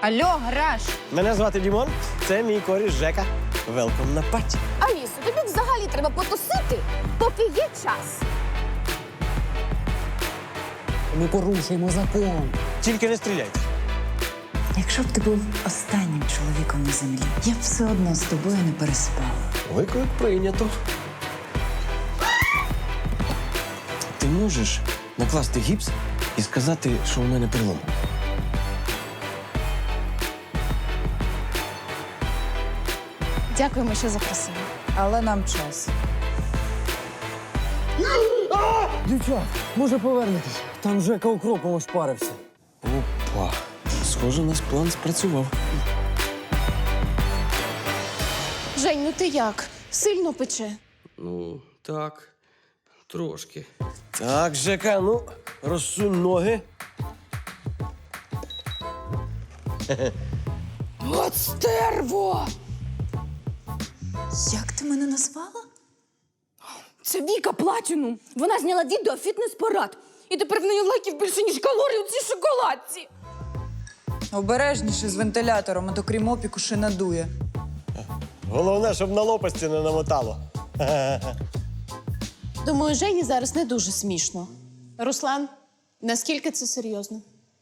Алло, гараж! Мене звати Дімон, це мій коріш Жека. Велком на паті. Алісо, тобі взагалі треба потусити, поки є час. Ми порушуємо закон. Тільки не стріляйте. Якщо б ти був останнім чоловіком на землі, я б все одно з тобою не переспала. Виклик прийнято. Ти можеш накласти гіпс і сказати, що у мене перелом? Дякуємо, що запросили. Але нам час. Дівчат, може повернетесь? Там Жека укропом ошпарився. Опа. Схоже, наш план спрацював. Жень, ну ти як? Сильно пече? Ну, так, трошки. Так, Жека, ну, розсунь ноги. От стерво! Як ти мене назвала? Це Віка Платінум. Вона зняла відео фітнес-парад. І тепер в неї лайків більше, ніж калорій у цій шоколадці. Обережніше з вентилятором, а то крім опіку ще надує. Головне, щоб на лопасті не намотало. Думаю, Жені зараз не дуже смішно. Руслан, наскільки це серйозно?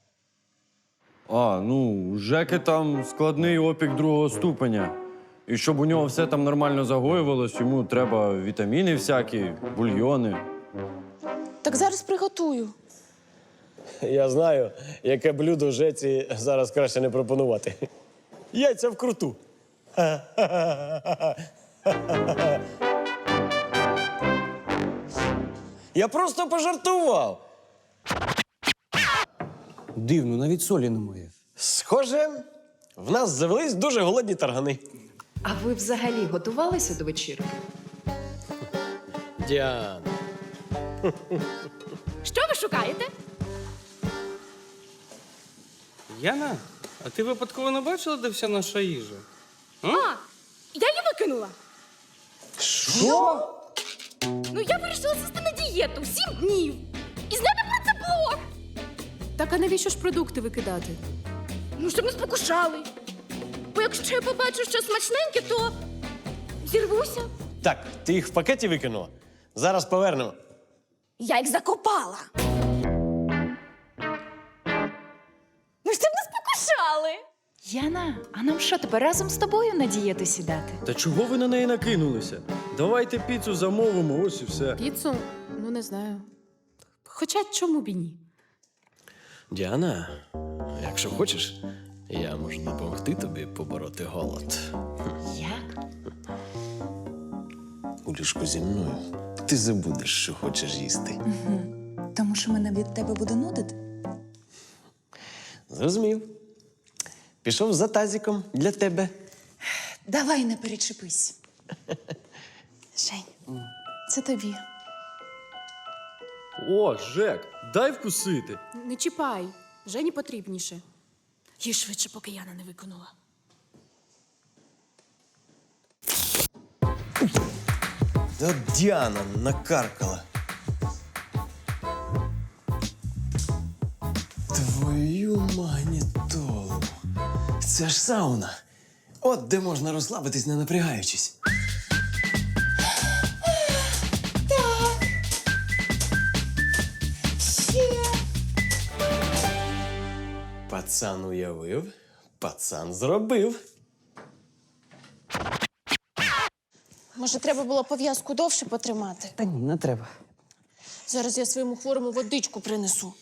У Жеки там складний опік 2-го ступеня. І щоб у нього все там нормально загоювалось, йому треба вітаміни всякі, бульйони. Так зараз приготую. Я знаю, яке блюдо Жеці зараз краще не пропонувати. Яйця вкруту. Я просто пожартував. Дивно, навіть солі немає. Схоже, в нас завелись дуже голодні таргани. А ви взагалі готувалися до вечірки? Діана. Що ви шукаєте? Яна, а ти випадково не бачила, де вся наша їжа? А, я її викинула. Що? Ну, я вирішила сісти на дієту 7 днів. І зняти про це блог. Так а навіщо ж продукти викидати? Ну, щоб не спокушали. Бо якщо я побачу щось смачненьке, то зірвуся. Так, ти їх в пакеті викинула? Зараз повернемо. Я їх закопала. Ну, щоб не спокушали. Яна, а нам що, тепер разом з тобою на дієту сідати? Та чого ви на неї накинулися? Давайте піцу замовимо, ось і все. Піцу? Ну, не знаю. Хоча чому б і ні? Діана, якщо хочеш, я можу допомогти тобі побороти голод. Як? У ліжку зі мною ти забудеш, що хочеш їсти. Тому що мене від тебе буде нудити? Зрозумів. Пішов за тазиком для тебе. Давай не перечепись. Жень, це тобі. О, Жек, дай вкусити. Не чіпай. Жені потрібніше. Їй швидше, поки Яна не виконала. Та Діана накаркала. Твою магнітолу. Це ж сауна. От де можна розслабитись, не напрягаючись. Пацан уявив, пацан зробив. Може, треба було пов'язку довше потримати? Та ні, не треба. Зараз я своєму хворому водичку принесу.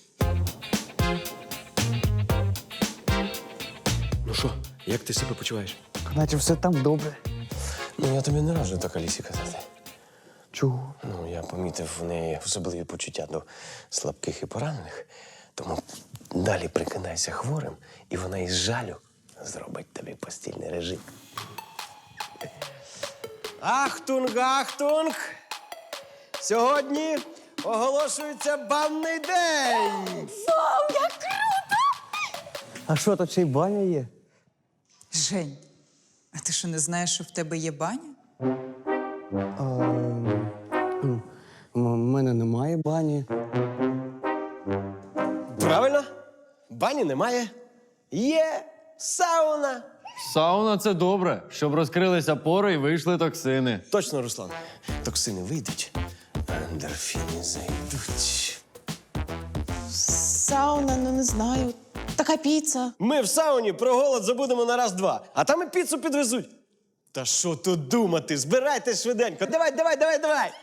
Ну що, як ти себе почуваєш? Наче все там добре. Ну, я тобі не раджу так Алісі казати. Чого? Ну, я помітив в неї особливі почуття до слабких і поранених. Тому далі прикидайся хворим, і вона із жалю зробить тобі постільний режим. Ахтунг, ахтунг! Сьогодні оголошується банний день! А що, тут ще й баня є? Жень, а ти що не знаєш, що в тебе є баня? У мене немає бані. Правильно? Бані немає. Є сауна. Сауна це добре, щоб розкрилися пори і вийшли токсини. Точно, Руслан. Токсини вийдуть, а ендорфіни зайдуть. Сауна, ну не знаю. Така піца. Ми в сауні про голод забудемо на раз-два, а там і піцу підвезуть. Та що тут думати? Збирайтесь швиденько. Давай.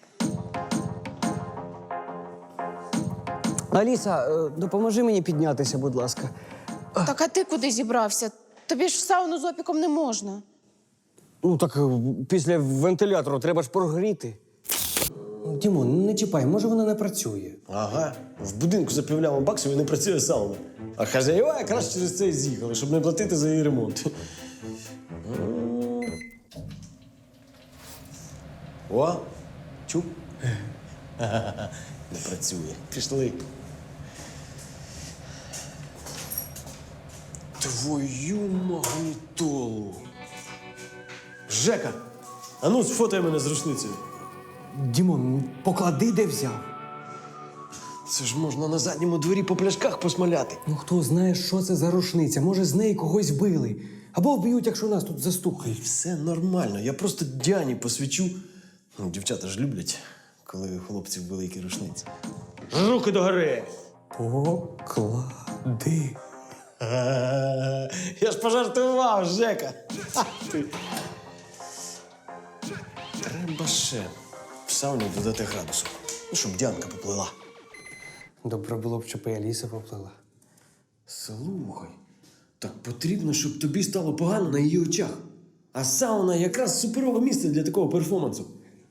Аліса, допоможи мені піднятися, будь ласка. Так а ти куди зібрався? Тобі ж в сауну з опіком не можна. Ну так після вентилятору треба ж прогріти. Дімон, не чіпай, може вона не працює. Ага, в будинку за півляма баксів і не працює сауна. А хазяєва якраз через це і з'їхали, щоб не платити за її ремонт. О, чув? Не працює. Пішли. Твою магнітолу. Жека, а ну сфотай мене з рушницею. Дімон, поклади, де взяв. Це ж можна на задньому дворі по пляшках посмаляти. Ну хто знає, що це за рушниця? Може, з неї когось били. Або вб'ють, якщо нас тут застукають. Все нормально, я просто Діані посвічу. Ну, дівчата ж люблять, коли у хлопців великі рушниці. Руки догори! Поклади. Я ж пожартував, Жека. Ти. Треба ще в сауні додати градусу, ну, щоб Діанка поплила. Добре було б, щоб і Аліса поплила. Слухай, так потрібно, щоб тобі стало погано на її очах. А сауна якраз суперове місце для такого перформансу.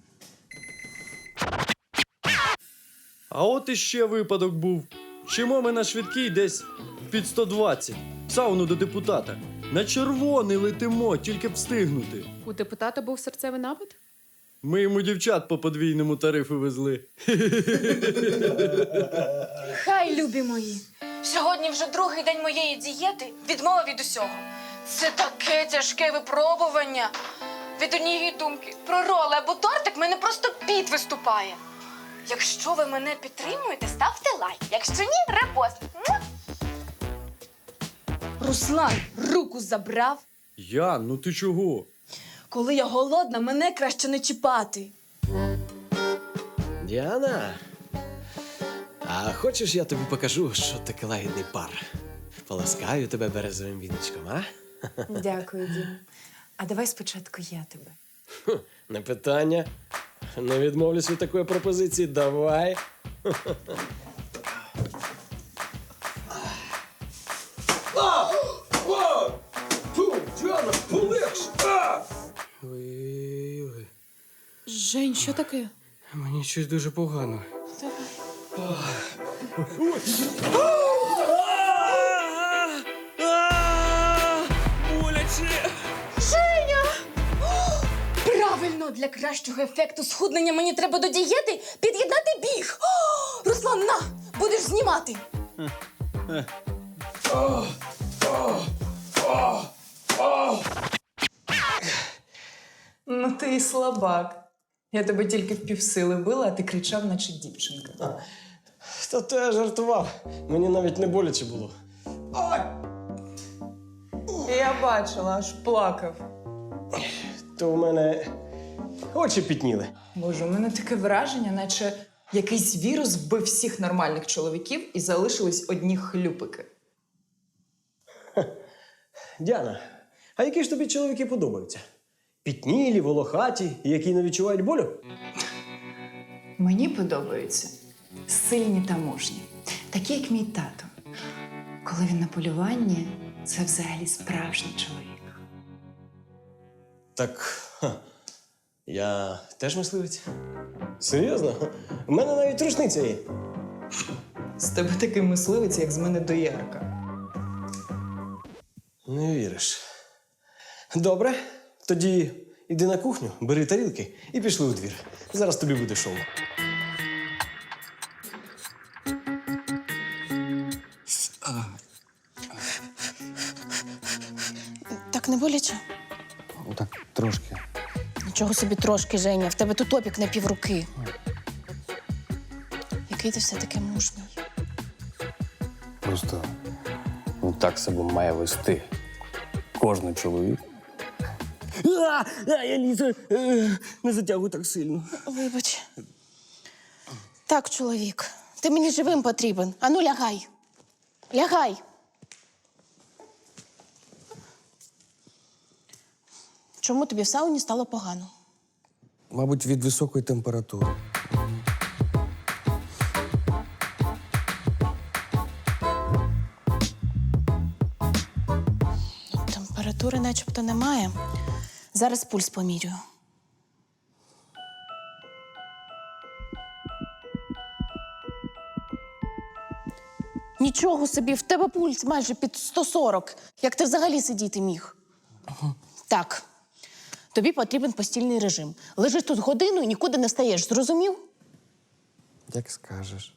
А от іще випадок був. Чимо ми на швидкій десь під 120. В сауну до депутата. На червоний летимо, тільки б встигнути. У депутата був серцевий напад? Ми йому дівчат по подвійному тарифу везли. Хай, любі мої. Сьогодні вже другий день моєї дієти, відмова від усього. Це таке тяжке випробування. Від однієї думки про роли або тортик мене просто піт виступає. Якщо ви мене підтримуєте, ставте лайк. Якщо ні, репост. Муа! Руслан руку забрав. Ян, ну ти чого? Коли я голодна, мене краще не чіпати. Діана, а хочеш, я тобі покажу, що таке лагідний пар? Поласкаю тебе березовим віночком, а? Дякую, Дім. А давай спочатку я тебе. Не питання. Не відмовлюсь від такої пропозиції. Давай. Діана, полегше! Ой-ой-ой. Жень, що таке? Мені щось дуже погано. Боляче! Женя! О, правильно, для кращого ефекту схуднення мені треба до дієти під'єднати біг. О, Руслан, на, будеш знімати. Ну ти і слабак. Я тебе тільки в півсили била, а ти кричав, наче дівчинка. Та то я жартував. Мені навіть не боляче було. Я бачила, аж плакав. То в мене очі пітніли. Боже, у мене таке враження, наче якийсь вірус вбив всіх нормальних чоловіків і залишились одні хлюпики. Діана, а які ж тобі чоловіки подобаються? Пітнілі, волохаті, які не відчувають болю? Мені подобаються сильні та мужні, такі, як мій тато. Коли він на полюванні, це взагалі справжній чоловік. Так, я теж мисливець. Серйозно? У мене навіть рушниця є. З тебе такий мисливець, як з мене доярка. Не віриш. Добре, тоді іди на кухню, бери тарілки і пішли у двір. Зараз тобі буде шоу. Так не боляче? Так, трошки. Нічого собі трошки, Женя. В тебе тут опік на півруки. Який ти все-таки мужній. Просто так себе має вести Кожний чоловік. Я Ліза, не затягуй так сильно. Вибач. Так, чоловік, ти мені живим потрібен. Ану, лягай. Лягай. Чому тобі в сауні стало погано? Мабуть, від високої температури. Температури начебто немає. Зараз пульс помірюю. Нічого собі, в тебе пульс майже під 140. Як ти взагалі сидіти міг? Так, тобі потрібен постільний режим. Лежиш тут годину і нікуди не встаєш, зрозумів? Як скажеш.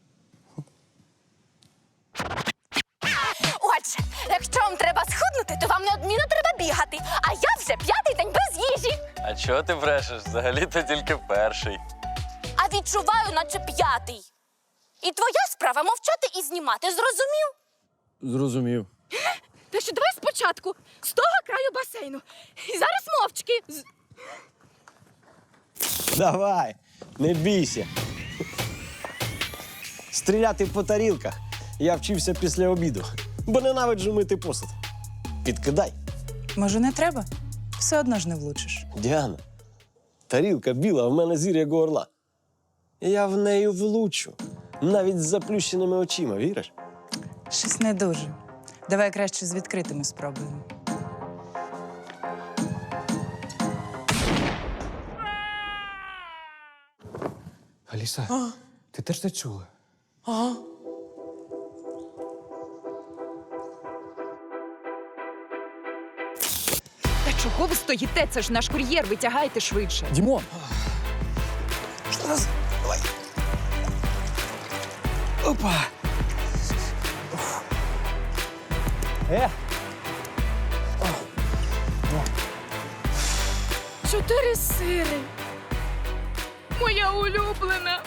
Отже, якщо вам треба схуднути, то вам неодмінно треба бігати. А я вже 5-й день без їжі. А чого ти брешеш? Взагалі-то тільки перший. А відчуваю, наче 5-й. І твоя справа мовчати і знімати, зрозумів? Зрозумів. Та що давай спочатку, з того краю басейну. І зараз мовчки. Давай, не бійся. Стріляти по тарілках я вчився після обіду, бо ненавиджу мити посуд. Підкидай. Може, не треба? Все одно ж не влучиш. Діана, тарілка біла, а в мене зір як у орла. Я в неї влучу, навіть з заплющеними очима, віриш? Щось не дуже. Давай краще з відкритими спробуємо. Аліса, ти теж це чула? Та чого ви стоїте? Це ж наш кур'єр, витягайте швидше. Дімон! Давай. Опа! 4 сири. Моя улюблена.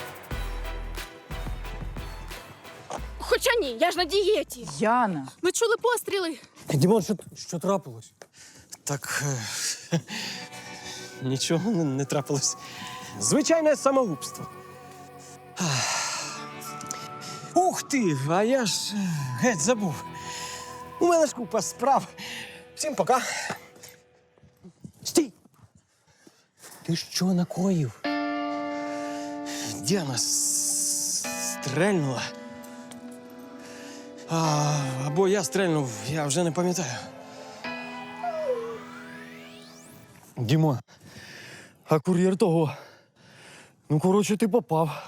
Хоча ні, я ж на дієті. Яна! Ми чули постріли. Дімон, що трапилось? Так. Нічого не трапилось. Звичайне самогубство. Ух ти! А я ж геть забув. У мене ж купа справ. Всім пока. Стій! Ти що накоїв? Діана стрельнула. Або я стрельнув, я вже не пам'ятаю. Діма, а кур'єр того. Ну, коротше, ти попав.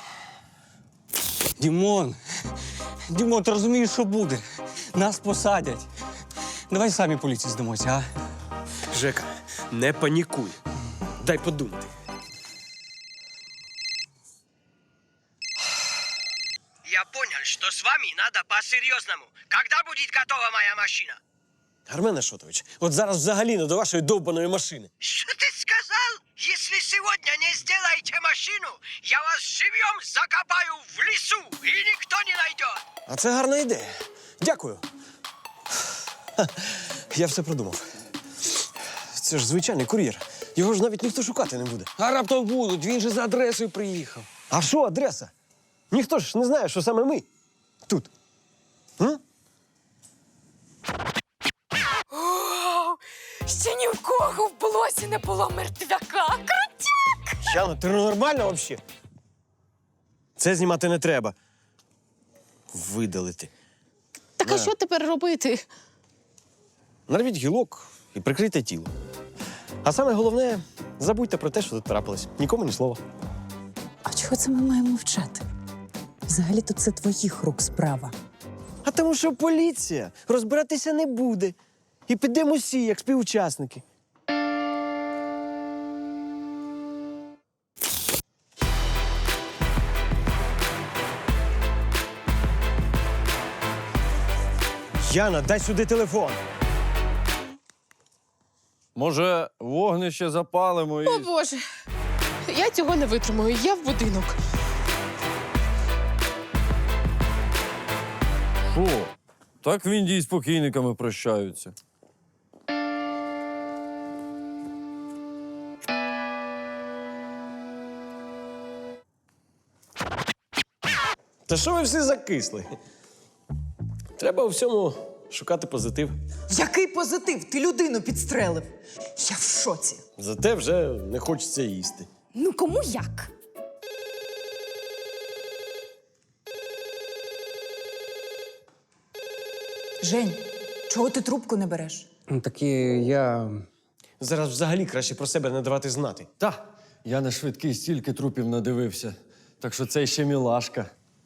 Дімон! Дімон, ти розумієш, що буде? Нас посадять. Давай самі поліції здамося, а? Жека, не панікуй. Дай подумати. Я понял, что с вами надо по-серьезному. Когда будет готова моя машина? Армен Ашотович, от зараз взагалі не до вашої довбаної машини. Что ты сказал? Если сегодня не сделаете машину, я вас живьем закопаю в лесу, и никто не найдет. А це гарна ідея. Дякую. Я все продумав. Це ж звичайний кур'єр. Його ж навіть ніхто шукати не буде. А раптом будуть, він же за адресою приїхав. А що адреса? Ніхто ж не знає, що саме ми тут. М? Ще ні в кого в блосі не було мертвяка. Крутяк! Яна, ти нормально взагалі? Це знімати не треба. Видалити. Так а що тепер робити? Нарвіть гілок і прикрийте тіло. А саме головне, забудьте про те, що тут трапилось. Нікому ні слова. А чого це ми маємо мовчати? Взагалі-то це твоїх рук справа. А тому що поліція розбиратися не буде. І підемо всі, як співучасники. Яна, дай сюди телефон. Може, вогнище запалимо і... О, Боже, я цього не витримую, я в будинок. Що? Так в Індії з покійниками прощаються. Та що ви всі закисли? Треба у всьому шукати позитив. Який позитив? Ти людину підстрелив. Я в шоці. Зате вже не хочеться їсти. Ну кому як? Жень, чого ти трубку не береш? Так я. Зараз взагалі краще про себе не давати знати. Та, я на швидкий стільки трупів надивився. Так що це ще мілашка.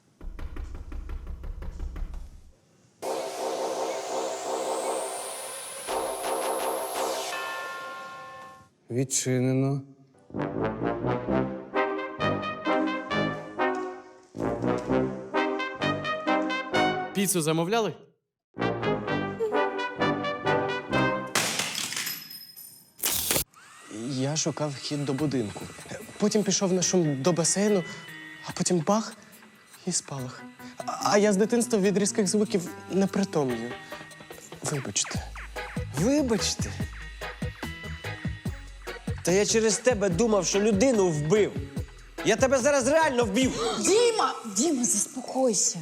Відчинено. Піцу замовляли? Я шукав вхід до будинку. Потім пішов на шум до басейну, а потім бах і спалах. А я з дитинства від різких звуків не притомлюю. Вибачте. Вибачте. Та я через тебе думав, що людину вбив. Я тебе зараз реально вбив. Діма, заспокойся.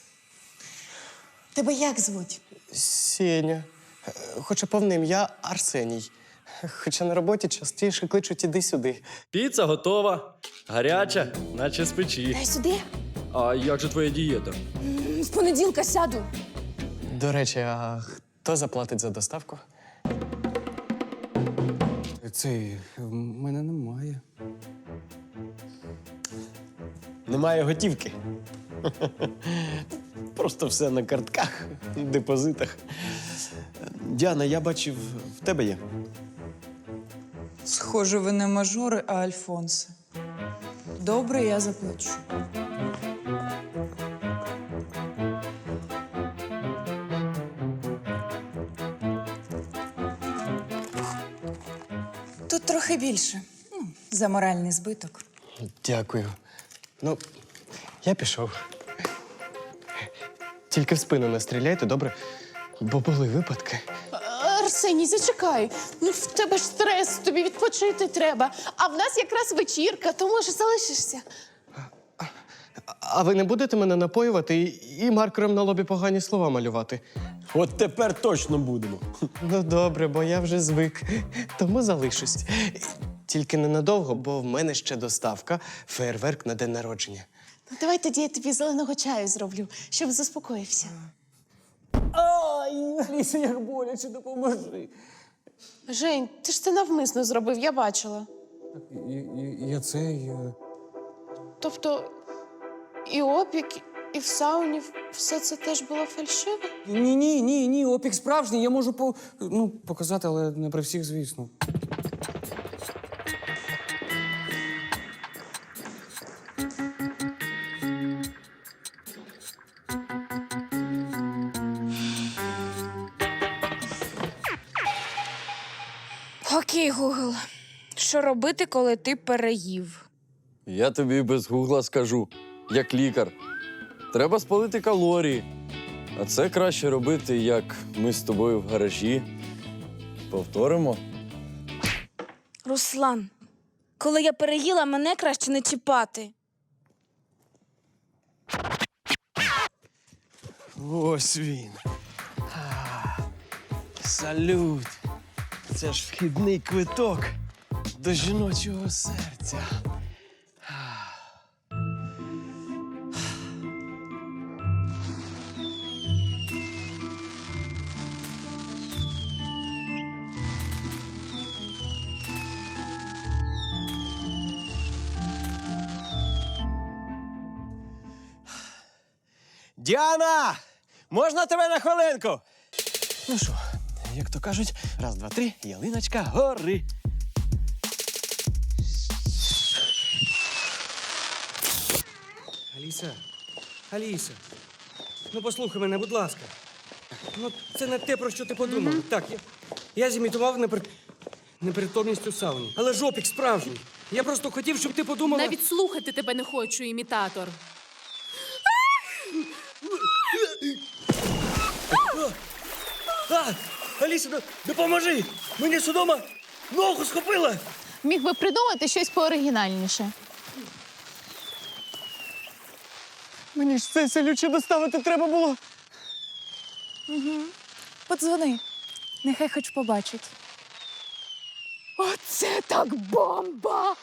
Тебе як звуть? Сеня. Хоча повне ім'я Арсеній. Хоча на роботі частіше кличуть іди-сюди. Піца готова. Гаряча, наче з печі. Дай сюди. А як же твоя дієта? З понеділка сяду. До речі, а хто заплатить за доставку? Цей в мене немає. Немає готівки. Просто все на картках, депозитах. Діана, я бачив, в тебе є. Схоже, ви не мажори, а альфонси. Добре, я заплачу. Тут трохи більше. За моральний збиток. Дякую. Ну, я пішов. Тільки в спину не стріляйте, добре? Бо були випадки. Арсеній, зачекай. Ну, в тебе ж стрес, тобі відпочити треба. А в нас якраз вечірка, то може залишишся. А ви не будете мене напоювати і маркером на лобі погані слова малювати? От тепер точно будемо. Ну, добре, бо я вже звик. Тому залишусь. Тільки ненадовго, бо в мене ще доставка, фейерверк на день народження. Ну, давай тоді я тобі зеленого чаю зроблю, щоб заспокоївся. Ай, Аліса, як боляче, допоможи. Жень, ти ж це навмисно зробив, я бачила. Я цей. Тобто і опік, і в сауні все це теж було фальшиве? Ні, опік справжній. Я можу показати, але не при всіх, звісно. Окей, Гугл. Що робити, коли ти переїв? Я тобі без гугла скажу, як лікар. Треба спалити калорії. А це краще робити, як ми з тобою в гаражі. Повторимо. Руслан, коли я переїла, мене краще не чіпати. Ось він. Салют. Це ж вхідний квиток до жіночого серця. Діана! Можна тебе на хвилинку? Ну що, як то кажуть, раз, два, три, ялиночка гори. Аліса, ну послухай мене, будь ласка. Ну, це не те, про що ти подумав. Так, я зімітував непритомність у сауні. Але ж опік справжній. Я просто хотів, щоб ти подумала... Навіть слухати тебе не хочу, імітатор. Аліса, допоможи! Мені судома ногу схопила! Міг би придумати щось пооригінальніше. Мені ж цей селючий доставити треба було. Подзвони. Нехай хоч побачить. Оце так бомба!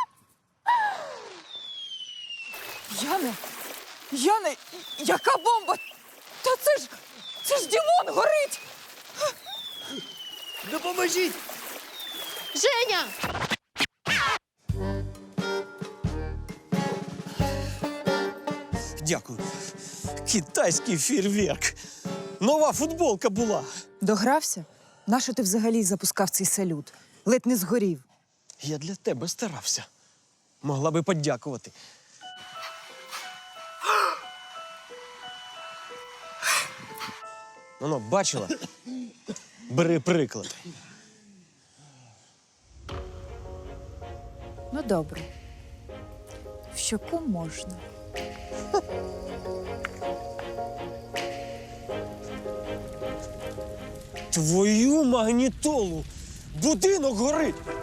Яне, яка бомба? Та це ж Дімон горить! Допоможіть! Женя! Дякую. Китайський фейерверк. Нова футболка була. Догрався? Нащо ти взагалі запускав цей салют? Ледь не згорів. Я для тебе старався. Могла би подякувати. Ну, бачила? Бери приклад. Ну, добре. В щоку можна. Твою магнітолу! Будинок горить!